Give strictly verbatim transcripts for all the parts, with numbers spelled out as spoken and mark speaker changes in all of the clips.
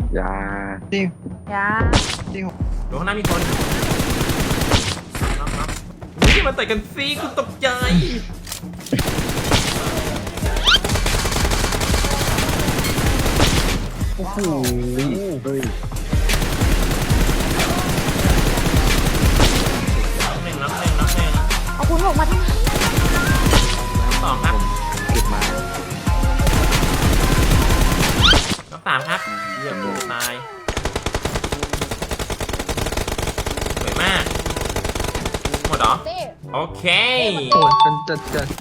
Speaker 1: ยาจริง
Speaker 2: ยา
Speaker 1: จริง
Speaker 3: ดูข้างหน้ามีคนน็อกน็อกนี่มาต่อยกันสิกูตกใจ
Speaker 1: โอ้โหเฮ้ย
Speaker 3: น็อกหนึ่งน็อกหนึ่งน็อกหนึ่ง
Speaker 2: เอาคุณบอกมาที่
Speaker 3: สองครับ
Speaker 1: เก็บมา
Speaker 3: น็อกสามครับเยี่ยมเลยตายสวยมากหมดเหรอ
Speaker 2: เต้
Speaker 3: โอเค
Speaker 1: โอ้ยเป็นจัดจัด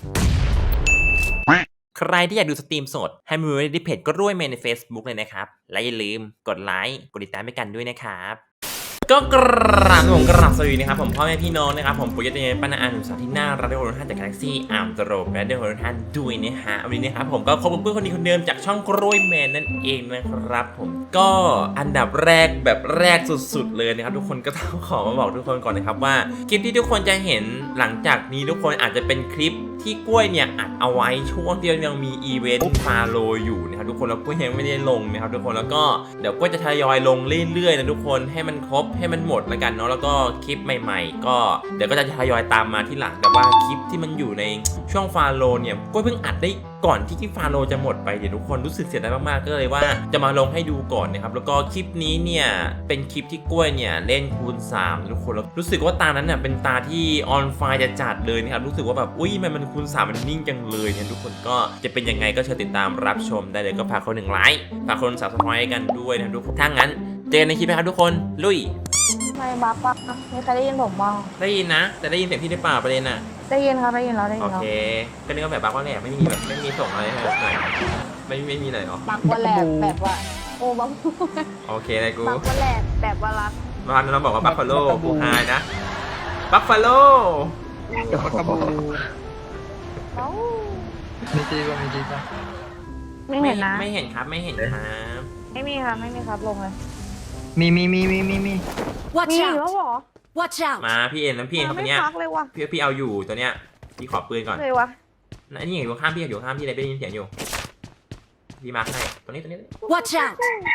Speaker 3: ใครที่อยากดูสตรีมสดให้มาดูในเพจก็ร่วยเมนใน Facebook เลยนะครับ และอย่าลืมกดไลค์กดติดตามไปกันด้วยนะครับ ก็กราบผมกราบสวัสดีนะครับผมพ่อแม่พี่น้องนะครับผมปุยยะเตยป้านาอาหนุ่มสาวที่น่ารักได้โอนท่านจากกาแล็กซี่อาร์มตโรและได้โอนท่านด้วยนะฮะวันนี้นะครับผมก็คบกับเพื่อนคนนี้คนเดิมจากช่องกล้วยแมนนั่นเองนะครับผมก็อันดับแรกแบบแรกสุดๆเลยนะครับทุกคนก็ต้องขอมาบอกทุกคนก่อนนะครับว่าคลิปที่ทุกคนจะเห็นหลังจากนี้ทุกคนอาจจะเป็นคลิปที่กล้วยเนี่ยอัดเอาไว้ช่วงที่ยังมีอีเวนต์ฟาโลอยู่นะครับทุกคนแล้วกล้วยยังไม่ได้ลงนะครับทุกคนแล้วก็เดี๋ยวกล้วยจะทยอยลงเรื่อยๆนะทุกคนให้มันครบให้มันหมดแล้วกันเนาะแล้วก็คลิปใหม่ๆก็เดี๋ยวก็จะทยอยตามมาที่หลังแต่ว่าคลิปที่มันอยู่ในช่วงฟาโลเนี่ยกล้วยเพิ่งอัดได้ก่อนที่คลิปฟาโลจะหมดไปเดี๋ยวทุกคนรู้สึกเสียดายมากๆก็เลยว่าจะมาลงให้ดูก่อนนะครับแล้วก็คลิปนี้เนี่ยเป็นคลิปที่กล้วยเนี่ยเล่นคูณสามทุกคนแล้วรู้สึกว่าตานั้นเนี่ยเป็นตาที่ออนไฟจะจัดเลยนะครับรู้สึกว่าแบบอุ้ยมันมันคูณสามมันนิ่งจังเลยเนี่ยทุกคนก็จะเป็นยังไงก็เชิญติดตามรับชมได้เลยก็ฝากคนหนึ่งไลค์ฝากคนสับสไครต์กันด้วยนะทุกคนถ้างั้นเจอกันในคลิปนะครับทุกคนลุย
Speaker 2: ไม่บัฟปะไม่เคยได้ยินผมบ้าง
Speaker 3: ได้ยินนะแต่ได้ยินเสียงพี่หรือเปล่าประเด็นน่ะ
Speaker 2: ได้ยินครับได้ยินแล้วได้ยิ
Speaker 3: โอน
Speaker 2: แล้ว
Speaker 3: เคก็นึกว่าแบบบั๊กว่าแหละไม่มีแบบไม่มีส่งอะไรให้แบบหน่อยไม่ไม่มีเลยเหรอ
Speaker 2: บักว่าแหลกแบบว่าโอ้บัก
Speaker 3: โอเคเลยกู
Speaker 2: บักว่าแหลกแบบว่ารัก
Speaker 3: บ้านเราบอกว่าบัฟฟาโลกูหายนะบัฟฟาโล
Speaker 1: ปากกระบู
Speaker 2: เอ้า
Speaker 1: มีจีป่ะมีจีป่ะ
Speaker 2: ไม่เห็นนะ
Speaker 3: ไม่เห็นครับไม่เห็นครับ
Speaker 2: ไม่มีครับไม่มีครับลงเลย
Speaker 1: มีมีมีมีมีมี
Speaker 4: Watch
Speaker 2: มี
Speaker 4: out!
Speaker 2: แล้วเหรอ
Speaker 4: Watch out!
Speaker 3: มาพี่เอ็นแล้วพี่เอ็นเขา
Speaker 2: ไม่
Speaker 3: ตัวเนี้ย
Speaker 2: พักเลยว่ะ
Speaker 3: พี่พี่เอาอยู่ตัวเนี้ยพี่ขอปืนก่อน
Speaker 2: เลยวะ
Speaker 3: นั่นนี่อยู่ข้างพี่อยู่ข้างพี่เลยได้ยินเสียงอยู่พี่มาร์คให้ตัวนี้ตัวนี้
Speaker 4: Watch out!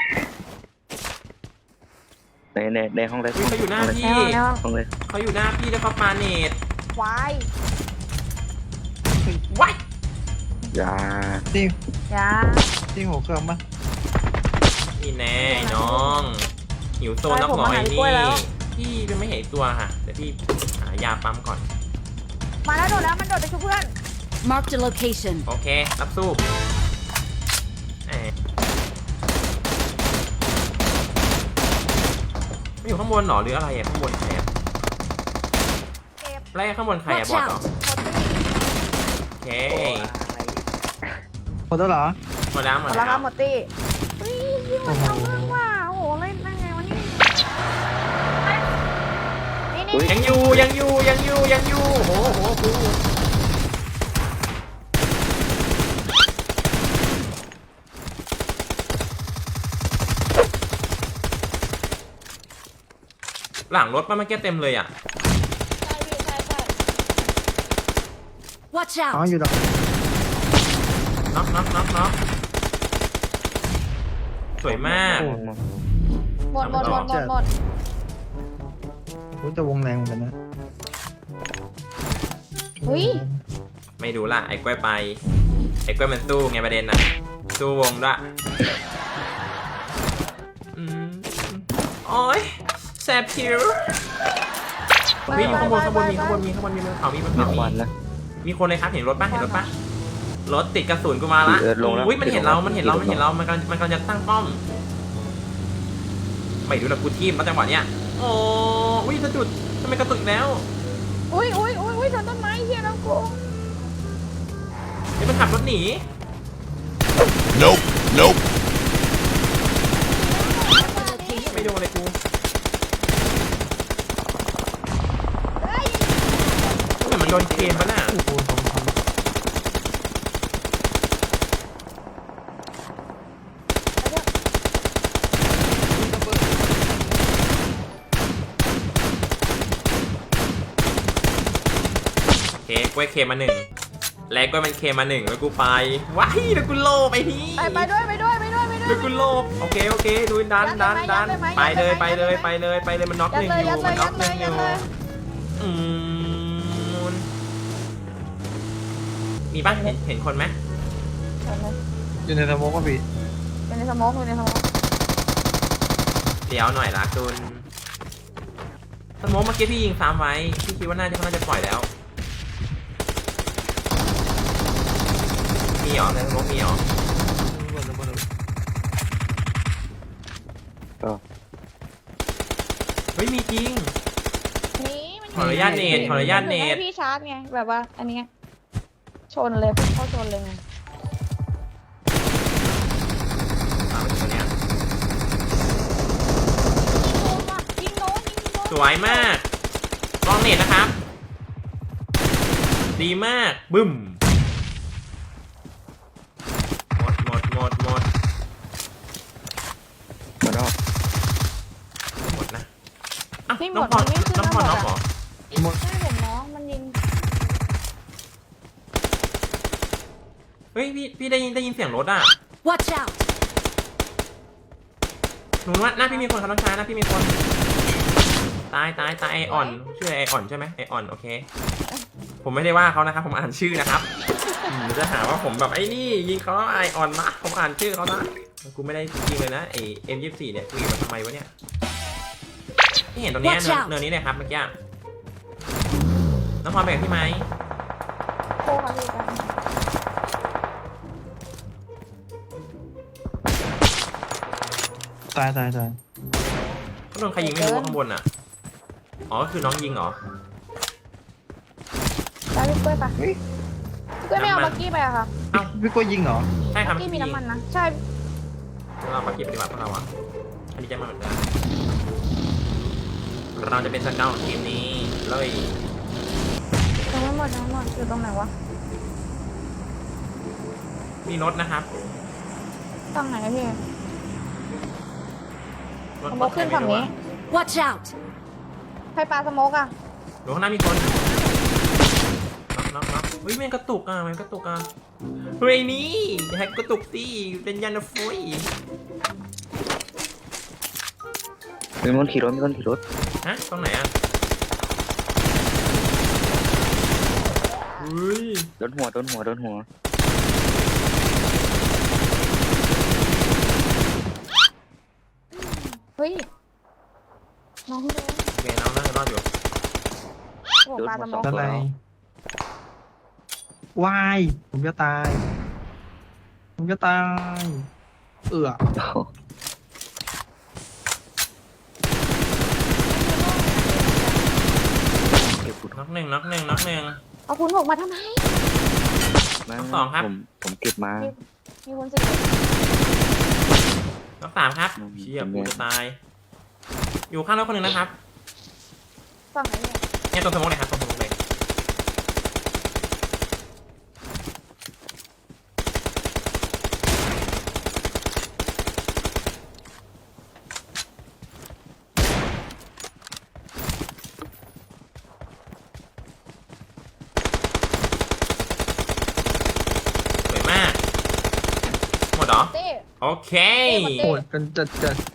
Speaker 1: ในในในห้องเลย
Speaker 3: อุ้ยเขาอยู่หน้าพี่
Speaker 2: แล้ว
Speaker 1: ห้องเลย
Speaker 3: เขาอยู่หน้าพี่แล้วก็ปาเนต
Speaker 2: ควาย
Speaker 3: ว้าย
Speaker 1: ยาจริง
Speaker 2: ยา
Speaker 1: จริงหัวเครื่องป่ะ
Speaker 3: นี่แน่น้องหิวโซนนักหน่อยนี่พี่จะไม่เห็นตัวค่ะเดี๋ยวพี่หายาปั๊มก่อน
Speaker 2: มาแล้วโดดแล้วมันโดดไปช่วยเพื่อน
Speaker 4: Marked a location.
Speaker 3: โอเครับสู้แหมไม่อยู่ข้างบนหรอหรืออะไรอะข้างบนใครอะ
Speaker 2: เก็บ
Speaker 3: ไล่ข้างบนใครอะบอสเหรอโอเค
Speaker 1: หมดแล้วเหรอ
Speaker 3: หมดแล้วห
Speaker 2: ห
Speaker 3: ม
Speaker 2: ม
Speaker 3: ด
Speaker 2: ด
Speaker 3: แล้
Speaker 2: แล้ว วครับหมดตี้เฮ้ยยิงมันเอาเรื่องว่ะโอ้โหเล่นได้ไงวะนี่นี่นี่
Speaker 3: ยังอยู่ยังอยู่ยังอยู่ยังอยู่โอ้โหโอ้โหหลังรถป้ามันแก้เต็มเลยอ่ะ
Speaker 2: ใช่พี่ใช่ใช่
Speaker 4: Watch
Speaker 1: อ๋อ
Speaker 4: out!
Speaker 1: อยู่ดอก
Speaker 3: น็อกน็อกน็อกน็อกสวยมาก
Speaker 1: โอ้
Speaker 2: หมดหมดหมดหมดหมด
Speaker 1: โหจะวงแรงเหมือนกันนะ
Speaker 2: เฮ้ย
Speaker 3: ไม่ดูละไอ้กล้วยไปไอ้กล้วยมันสู้ไงประเด็นน่ะสู้วงด้วยอืมโอ้ยแสบผิววิ่งอยู่ข้างบนข้างบนมีข้างบนมีข้างบนมีบนเขามีบน
Speaker 1: มี
Speaker 3: เขา
Speaker 1: ควัน
Speaker 3: มี
Speaker 1: นะ
Speaker 3: มีคนเลยครับเห็นรถป่ะเห็นรถป่ะรถติดกระสุนกูมาละ
Speaker 1: เออลงแล้ว
Speaker 3: อุ้ยมันเห็นเรา มันเห็นเรา
Speaker 1: ลงแล้ว
Speaker 3: มันเห็นเรา มันกำลังมันกำลังจะตั้งป้อม ไม่ดูนะกูทีมมาจังหวะเนี้ยโอ้อุ้ยกระจุดทำไมกระตุกอีกแล้ว
Speaker 2: อุ้ยอุ้ยอุ้ยอุ้ยชนต้นไม้เฮียน้องกู
Speaker 3: เดี๋ยวมันขับรถหนี
Speaker 5: Nope, nope.
Speaker 3: ไม่โดนเลยกู
Speaker 2: เฮ้ย
Speaker 3: เหมือนมันโดนเคมปะน่ะ
Speaker 1: โอ้โหสองพัน
Speaker 3: โอเคกล้วยเคมมาหนึ่งแล้วกล้วยมันเคมมาหนึ่งแล้วกูไปว้ายแล้วกูโลไปนี่
Speaker 2: ไปไปด้วยไปด้วยไปด้วยไป
Speaker 3: ดูกูโลบโอเคโอเคดูดันดันดันไปเลยไปเลยไปเลยไปเลยมันน็อก
Speaker 2: ยั
Speaker 3: ห
Speaker 2: ด
Speaker 3: นึ่ง
Speaker 2: เลย
Speaker 3: อ
Speaker 2: ยั
Speaker 3: ยู่
Speaker 2: ดเล
Speaker 3: มัน
Speaker 2: ย
Speaker 3: น็
Speaker 2: ยั
Speaker 3: อก
Speaker 2: ด
Speaker 3: ห
Speaker 2: เล
Speaker 3: นึ่
Speaker 2: ย
Speaker 3: งอ
Speaker 2: ยัด
Speaker 3: ยู่
Speaker 2: เลย
Speaker 3: อืมมีป่ะเห็นเห็นคนไหม
Speaker 2: ยัดเลย
Speaker 1: อยู่ในสโมกป่ะพี่
Speaker 2: อยู่ในสโมองอยู่ในสโมอง
Speaker 3: เดี๋ยวหน่อยละจุนสมมติเมื่อกี้พี่ยิงซ้ำไว้พี่คิดว่าน่าจะเขาน่าจะปล่อยแล้วมีเหรอในสมมติมีเหรอเฮ้ยมีจริง
Speaker 2: นี่มัน
Speaker 3: ขออนุญาตเนตขออนุญาตเนต
Speaker 2: ให้พี่ชาร์จไงแบบว่าอันเนี้ยชนเลยเข้าชนเลยไง
Speaker 3: ตามไปตัวเนี้ย
Speaker 2: ยิงโดนยิงโดน
Speaker 3: สวยมากลองเนตนะครับ ดีมากบึ้มหมดหมดหมดหมด
Speaker 1: มาดอก
Speaker 3: หมดนะอ้าว
Speaker 2: พี่หม
Speaker 3: น้อง
Speaker 2: ด
Speaker 3: พร
Speaker 2: มันไม่ขึ้น
Speaker 3: น้องพร
Speaker 2: มา
Speaker 3: น้อง
Speaker 2: ห
Speaker 3: เห
Speaker 2: ม
Speaker 3: ร
Speaker 2: ด
Speaker 3: อ
Speaker 2: อ่ะใช่ผมน้องมันยิง
Speaker 3: เฮ้ยพี่พี่ได้ยินได้ยินเสียงรถอ่ะ
Speaker 4: Watch out!
Speaker 3: หนูว่าหน้าพี่มีคนครับน้องชายหน้าพี่มีคนตายตายตายไออ่อนชื่อไออ่อนใช่ไหมไออ่อนโอเค ผมไม่ได้ว่าเขานะครับผมอ่านชื่อนะครับอืมเดี๋ยวจะหาว่าผมแบบไอ้นี่ยิงเขาไออ่อนนะผมอ่านชื่อเขานะกูไม่ได้ยิงเลยนะไอเอ็มยี่สิบสี่เนี่ยกูยิงมาทำไมวะเนี่ยที่เห็นตรงเนี้ย
Speaker 4: Watch
Speaker 3: เนิน
Speaker 4: out
Speaker 3: เนินนี้เลยครับเมื่อกี้น้องพรแบ่งพี่ไหม
Speaker 2: โคค่ะพี่กัน
Speaker 1: ตายตายตาย
Speaker 3: เขาโดนใครยิงไม่รู้ข้างบนอ่ะอ๋อก็คือน้องยิงเหรอ
Speaker 2: ได้พี่กล้วยปะ
Speaker 1: เฮ้ย
Speaker 2: พี่กล้วยไม่เอาบักกี้ไปอะค่ะ
Speaker 1: พี่กล้วยยิงเหรอ
Speaker 3: ใช่ครับ
Speaker 2: บักกี้มีน้ำมันนะใช่
Speaker 3: เราปฏิบัติปฏิบัติพวกเราอ่ะอันนี้จะมาเหมือนกันเราจะเป็นสเกลของทีมนี้เลย
Speaker 2: ยังไม่หมดยังไม่หมดอยู่ตรงไหนวะ
Speaker 3: มีรถนะครับ
Speaker 2: ตรงไหนอะพี่
Speaker 3: รถ
Speaker 2: สโมกขึ้นฝั่งนี้
Speaker 4: Watch out!
Speaker 2: ใครปลาสโมกอะ
Speaker 3: รถข้างหน้ามีคนน็อกน็อกน็อกเฮ้ยมันกระตุกอ่ะมันกระตุกอ่ะเฮ้ยนี่แฮกกระตุกสิเป็นยันฟอย
Speaker 6: มีคนขี่รถมีคนขี่รถ
Speaker 3: ฮะตรงไหนอ่ะเฮ้ย
Speaker 6: โดนหัวโดนหัวโดนหัว
Speaker 2: เฮ้ยน้องโดน
Speaker 3: โอเคน้องน่าจะรอดอยู่
Speaker 2: โอ้ปลาสโมก
Speaker 1: ด้านในวายผมจะตาย ผมจะตาย เอือ
Speaker 6: เก็บขุด
Speaker 3: น็อกหนึ่งน็อกหนึ่งน็อกหนึ่ง
Speaker 2: เอาคุณหกมาทำไม
Speaker 6: มา
Speaker 3: สองครับ
Speaker 6: ผมผมเก็บมา
Speaker 2: มีคนสิ
Speaker 3: น็อกสามครับ
Speaker 6: อืม
Speaker 3: เชี่ยกูจะตาย อยู่ข้างรถคนหนึ่งนะครับ
Speaker 2: ฝั่งไหนเนี่ย
Speaker 3: เนี่ยตรงสมองเลยครับตรงสมองเลยสวยมาก หมดเหรอ
Speaker 2: เต้
Speaker 3: โอเค
Speaker 1: โหดกันจัดจัด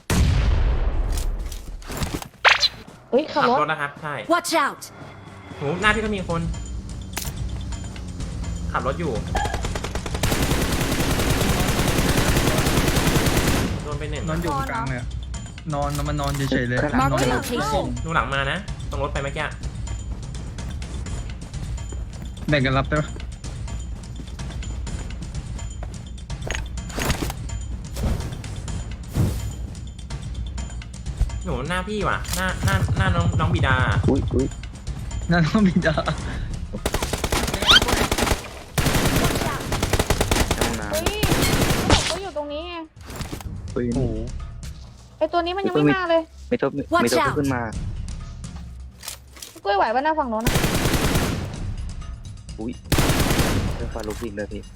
Speaker 2: เฮ้ยขั
Speaker 3: ขั
Speaker 2: บบ รถ
Speaker 3: รถนะครับ ใช่
Speaker 4: Watch out!
Speaker 3: โหหน้าพี่ก็มีคน ขับรถอยู่ โดนไปหนึ่ง
Speaker 1: นอนอยู่กลางเลยอะนอนมันนอนเฉยๆเลย
Speaker 4: Mark
Speaker 1: นอน
Speaker 4: the
Speaker 1: อยู่
Speaker 4: location.
Speaker 3: ดูหลังมานะ ตรงรถไปเมื่อกี้
Speaker 1: แบ่งกันรับได้ปะ
Speaker 3: หนูหน้าพี่ว่ะ หน้าหน้าหน้าน้องน้องบิดา
Speaker 6: อุ้ยอุ้ย
Speaker 1: นั่นต้องมีดา
Speaker 6: ห้องน้
Speaker 2: เฮ้ยเขาบอกว่าอยู่ตรงนี้ไง
Speaker 6: ำอุ้ย
Speaker 1: โอ้โห
Speaker 2: ไอตัวนี้มันยังไม่มาเลย
Speaker 6: ไม่ต้องไม่
Speaker 4: Watch
Speaker 6: ต้อง
Speaker 4: out
Speaker 6: ขึ้นมา
Speaker 2: กล้วยไหวป่ะหน้าฝั่งโน้นนะ
Speaker 6: อุ้ยเรื่องฟาลุกอีกเลยพี่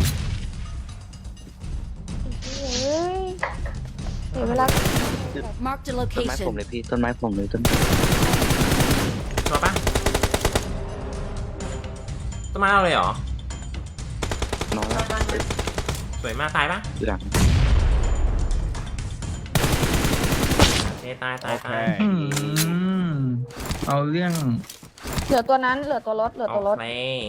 Speaker 2: เฮ้ยเดี๋ยวเวลา
Speaker 4: Mark the
Speaker 6: ต้นไม้ผม
Speaker 4: location.
Speaker 6: เลยพี่ต้นไม้ผมเลยต้น
Speaker 3: ตัวปะต้นไม้เราเลยเหรอ
Speaker 6: นอนแล้ว
Speaker 3: สวยมากตายปะ
Speaker 6: อยู่หลัง
Speaker 3: ตายตายตาย
Speaker 5: Okay.
Speaker 1: อืมเอาเรื่อง
Speaker 2: เหลือตัวนั้นเหลือตัวรถเหลือ
Speaker 3: โอ
Speaker 2: ตัวรถ
Speaker 3: เค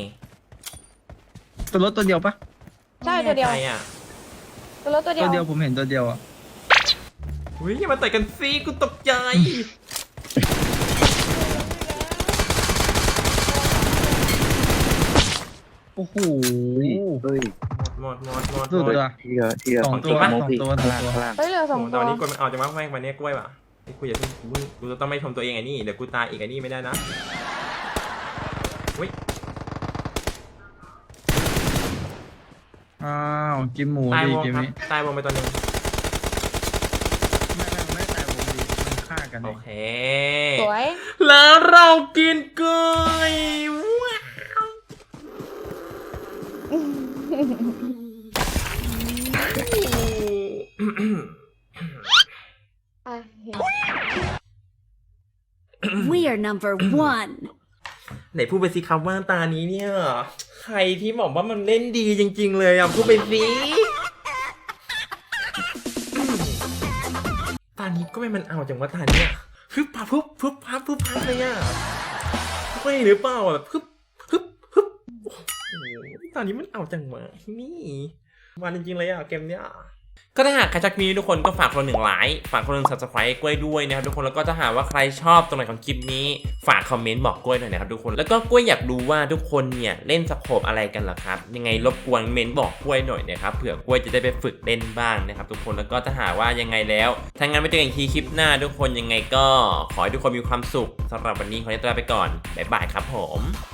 Speaker 1: ตัวรถตัวเดียวปะ
Speaker 2: ใช่ตัวเดียว
Speaker 3: ไม่แน่ใจอ่ะ
Speaker 2: ตัวรถตัวเดี
Speaker 1: ตั
Speaker 2: ยว ว
Speaker 1: เดียวผมเห็นตัวเดียวอ่ะ
Speaker 3: อุ้ยอย่ามาต่อยกันสิกูตกใจ
Speaker 1: โอ้โห
Speaker 6: เฮ้ย
Speaker 3: หมดหมดหมดห
Speaker 1: สุด
Speaker 3: มด
Speaker 1: เลย
Speaker 6: ที่เหลือที่เหลือ
Speaker 1: สองตัว
Speaker 6: ข
Speaker 1: สอง
Speaker 6: พี่
Speaker 1: ตัว
Speaker 6: ข้างล่าง
Speaker 1: สองตัว
Speaker 6: ข้างล่าง
Speaker 2: เฮ้ยเหลือสอง
Speaker 3: โอ้
Speaker 2: ตั
Speaker 3: ต
Speaker 2: ว
Speaker 3: อนนี้กดมันออกจากมากแม่งวันนี้กล้วยว่ะไอ้กูอย่าเพิ่งกูกูจะต้องไม่ชมตัวเองไอ้นี่เดี๋ยวกูตายอีกไอ้นี่ไม่ได้นะอุ้ย
Speaker 1: อ้าวกินหมู
Speaker 3: ตาย
Speaker 1: ดิ
Speaker 3: วง
Speaker 1: เกม
Speaker 3: ครับ
Speaker 1: นี้
Speaker 3: ตายวงไปตัวหนึง
Speaker 1: ไม่ไม่ไม่แต่วงดีมันฆ่ากัน
Speaker 3: โอ
Speaker 1: เอง
Speaker 3: เค
Speaker 2: สวย
Speaker 3: แล้วเรากินกล้วยว้าว
Speaker 2: อ่ะ
Speaker 4: We are number one.
Speaker 3: ไหนพูดไปสิครับว่าตานี้เนี่ย ใครที่บอกว่ามันเล่นดีจริงๆเลยอ่ะพูดไปสิตานี้ก็ไม่มันเอาจังว่าตาเนี่ยพึบพับพึบพึบพับพึบพับเลยอ่ะไม่หรือเปล่าอ่ะแบบพึบพึบพึบโอ้โหตานี้มันเอาจังวะนี่มันจริงๆเลยอ่ะเกมเนี้ยก็ถ้าหากใครชักมีทุกคนก็ฝากคนละหนึ่งไลค์ฝากคนละหนึ่ง subscribe กล้วยด้วยนะครับทุกคนแล้วก็ถ้าหากว่าใครชอบตรงไหนของคลิปนี้ฝากคอมเมนต์บอกกล้วยหน่อยนะครับทุกคนแล้วก็กล้วยอยากรู้ว่าทุกคนเนี่ยเล่นสโคปอะไรกันเหรอครับยังไงรบกวนเมนต์บอกกล้วยหน่อยนะครับเผื่อกล้วยจะได้ไปฝึกเล่นบ้างนะครับทุกคนแล้วก็ถ้าหากว่ายังไงแล้วถ้างั้นไปเจอกันอีกทีคลิปหน้าทุกคนยังไงก็ขอให้ทุกคนมีความสุขสำหรับวันนี้ขอตัวลาไปก่อนบ๊ายบายครับผม